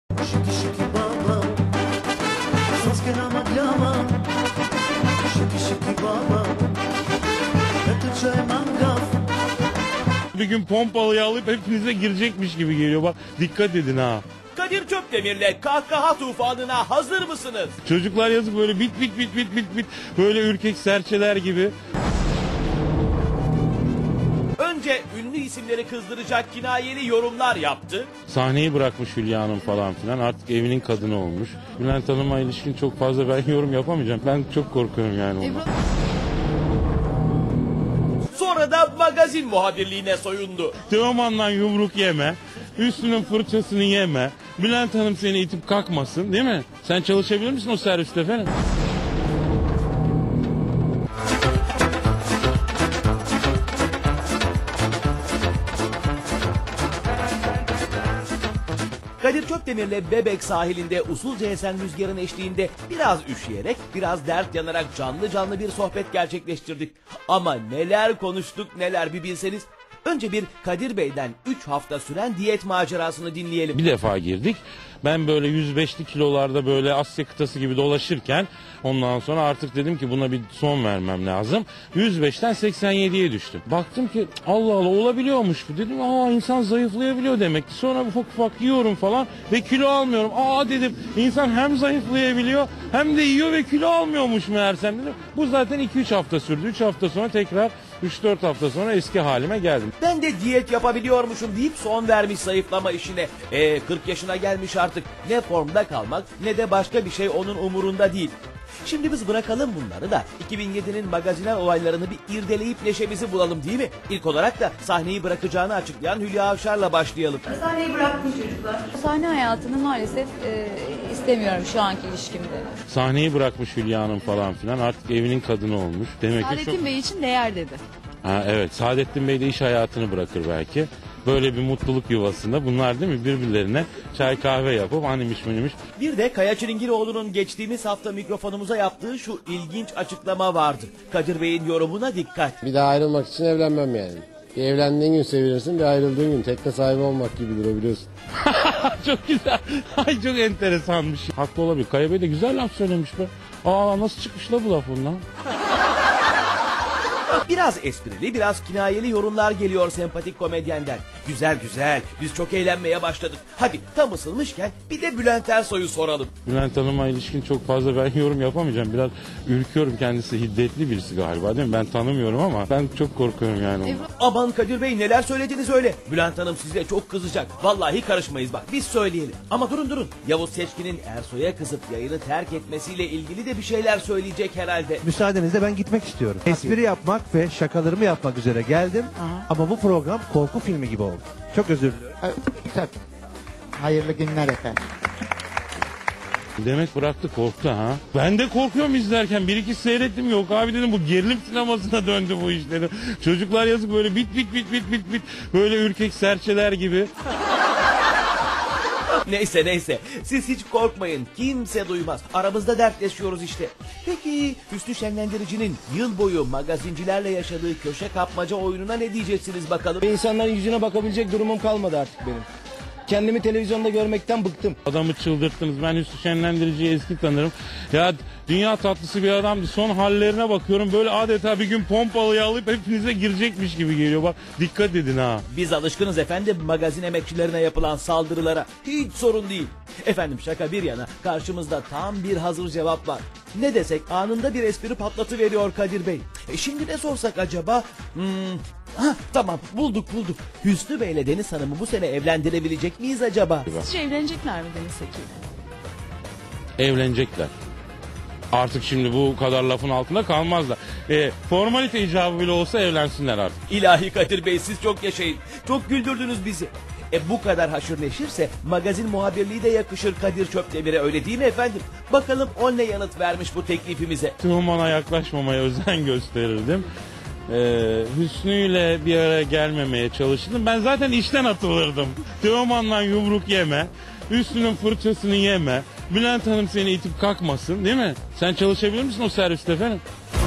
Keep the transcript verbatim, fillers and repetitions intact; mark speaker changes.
Speaker 1: Şiki şiki baba, ses que la maglama. Şiki şiki baba, ötüçe mangaf.
Speaker 2: Bir gün pompalıyı alıp hepinize girecekmiş gibi geliyor. Bak dikkat edin ha.
Speaker 3: Kadir Çöpdemir'le kahkaha tufanına hazır mısınız?
Speaker 2: Çocuklar yazık böyle bit bit bit bit bit bit böyle ürkek serçeler gibi.
Speaker 3: Önce ünlü isimleri kızdıracak kinayeli yorumlar yaptı.
Speaker 2: Sahneyi bırakmış Hülya Hanım falan filan. Artık evinin kadını olmuş. Bülent Hanım'a ilişkin çok fazla ben yorum yapamayacağım. Ben çok korkuyorum yani ondan.
Speaker 3: Sonra da magazin muhabirliğine soyundu.
Speaker 2: Teoman'dan yumruk yeme. Üstünün fırçasını yeme. Bülent Hanım seni itip kalkmasın değil mi? Sen çalışabilir misin o serviste efendim?
Speaker 3: Kadir Çöpdemir'le Bebek sahilinde usulca esen rüzgarın eşliğinde biraz üşüyerek, biraz dert yanarak canlı canlı bir sohbet gerçekleştirdik. Ama neler konuştuk neler bir bilseniz. Önce bir Kadir Bey'den üç hafta süren diyet macerasını dinleyelim.
Speaker 2: Bir defa girdik. Ben böyle yüz beşli kilolarda böyle Asya kıtası gibi dolaşırken ondan sonra artık dedim ki buna bir son vermem lazım. yüz beşten seksen yediye düştüm. Baktım ki Allah Allah olabiliyormuş bu. Dedim aa insan zayıflayabiliyor demek ki. Sonra ufak ufak yiyorum falan ve kilo almıyorum. Aa dedim insan hem zayıflayabiliyor hem de yiyor ve kilo almıyormuş meğersem dedim. Bu zaten iki üç hafta sürdü. üç hafta sonra tekrar üç dört hafta sonra eski halime geldim.
Speaker 3: Ben de diyet yapabiliyormuşum deyip son vermiş zayıflama işine. E kırk yaşına gelmiş artık. Ne formda kalmak ne de başka bir şey onun umurunda değil. Şimdi biz bırakalım bunları da iki bin yedinin magazinel olaylarını bir irdeleyip neşemizi bulalım değil mi? İlk olarak da sahneyi bırakacağını açıklayan Hülya Avşar'la başlayalım.
Speaker 4: Sahneyi bıraktım çocuklar. Sahne hayatını maalesef e, istemiyorum şu anki ilişkimde.
Speaker 2: Sahneyi bırakmış Hülya Hanım falan filan. Artık evinin kadını olmuş. Demek ki
Speaker 4: Saadettin
Speaker 2: çok...
Speaker 4: Bey için değer dedi.
Speaker 2: Ha, evet Saadettin Bey de iş hayatını bırakır belki. Böyle bir mutluluk yuvasında bunlar değil mi birbirlerine çay kahve yapıp animmiş minimiş.
Speaker 3: Bir de Kaya Çilingiroğlu'nun geçtiğimiz hafta mikrofonumuza yaptığı şu ilginç açıklama vardı. Kadir Bey'in yorumuna dikkat.
Speaker 5: Bir daha ayrılmak için evlenmem yani. Bir evlendiğin gün sevilirsin, bir ayrıldığın gün tekne sahibi olmak gibidir o biliyorsun.
Speaker 2: Çok güzel. Ay çok enteresanmış. Haklı olabilir. Kaya Bey de güzel laf söylemiş be. Aa nasıl çıkmış la bu laf ondan?
Speaker 3: Biraz esprili, biraz kinayeli yorumlar geliyor sempatik komedyenden. Güzel güzel, biz çok eğlenmeye başladık. Hadi tam ısınmışken bir de Bülent Ersoy'u soralım.
Speaker 2: Bülent Hanım'a ilişkin çok fazla ben yorum yapamayacağım. Biraz ürküyorum, kendisi hiddetli birisi galiba değil mi? Ben tanımıyorum ama ben çok korkuyorum yani ondan.
Speaker 3: Aman Kadir Bey neler söylediniz öyle. Bülent Hanım size çok kızacak. Vallahi karışmayız bak biz söyleyelim. Ama durun durun. Yavuz Seçkin'in Ersoy'a kızıp yayını terk etmesiyle ilgili de bir şeyler söyleyecek herhalde.
Speaker 6: Müsaadenizle ben gitmek istiyorum. Espri yapmak ve şakalarımı yapmak üzere geldim. Ama bu program korku filmi gibi oldu. Çok özür diliyorum.
Speaker 7: Tabii. Hayırlı günler efendim.
Speaker 2: Demek bıraktı korktu ha. Ben de korkuyorum izlerken. Bir iki seyrettim yok abi dedim bu gerilim sinemasına döndü bu iş dedim. Çocuklar yazık böyle bit bit bit bit bit bit böyle ürkek serçeler gibi.
Speaker 3: Neyse neyse siz hiç korkmayın kimse duymaz aramızda dertleşiyoruz işte. Peki Hüsnü Şenlendirici'nin yıl boyu magazincilerle yaşadığı köşe kapmaca oyununa ne diyeceksiniz bakalım?
Speaker 8: İnsanların yüzüne bakabilecek durumum kalmadı artık benim. Kendimi televizyonda görmekten bıktım.
Speaker 2: Adamı çıldırttınız. Ben Hüsnü Şenlendirici'yi eski tanırım. Ya dünya tatlısı bir adamdı. Son hallerine bakıyorum. Böyle adeta bir gün pompalıyı alıp hepinize girecekmiş gibi geliyor. Bak dikkat edin ha.
Speaker 3: Biz alışkınız efendim magazin emekçilerine yapılan saldırılara. Hiç sorun değil. Efendim şaka bir yana karşımızda tam bir hazır cevap var. Ne desek anında bir espri patlatıveriyor Kadir Bey. E şimdi ne sorsak acaba? Hmm, ha, tamam bulduk bulduk. Hüsnü Bey ile Deniz Hanım'ı bu sene evlendirebilecek miyiz acaba?
Speaker 4: Sizce evlenecekler mi Deniz Seki?
Speaker 2: Evlenecekler. Artık şimdi bu kadar lafın altında kalmazlar. E, formalite icabı bile olsa evlensinler artık.
Speaker 3: İlahi Kadir Bey siz çok yaşayın. Çok güldürdünüz bizi. E bu kadar haşır neşirse magazin muhabirliği de yakışır Kadir Çöpdemir'e öyle değil mi efendim? Bakalım o ne yanıt vermiş bu teklifimize.
Speaker 2: Teoman'a yaklaşmamaya özen gösterirdim. Ee, Hüsnü ile bir araya gelmemeye çalışırdım. Ben zaten işten atılırdım. Teoman'dan yumruk yeme. Hüsnü'nün fırçasını yeme. Bülent Hanım seni itip kalkmasın değil mi? Sen çalışabilir misin o serviste efendim?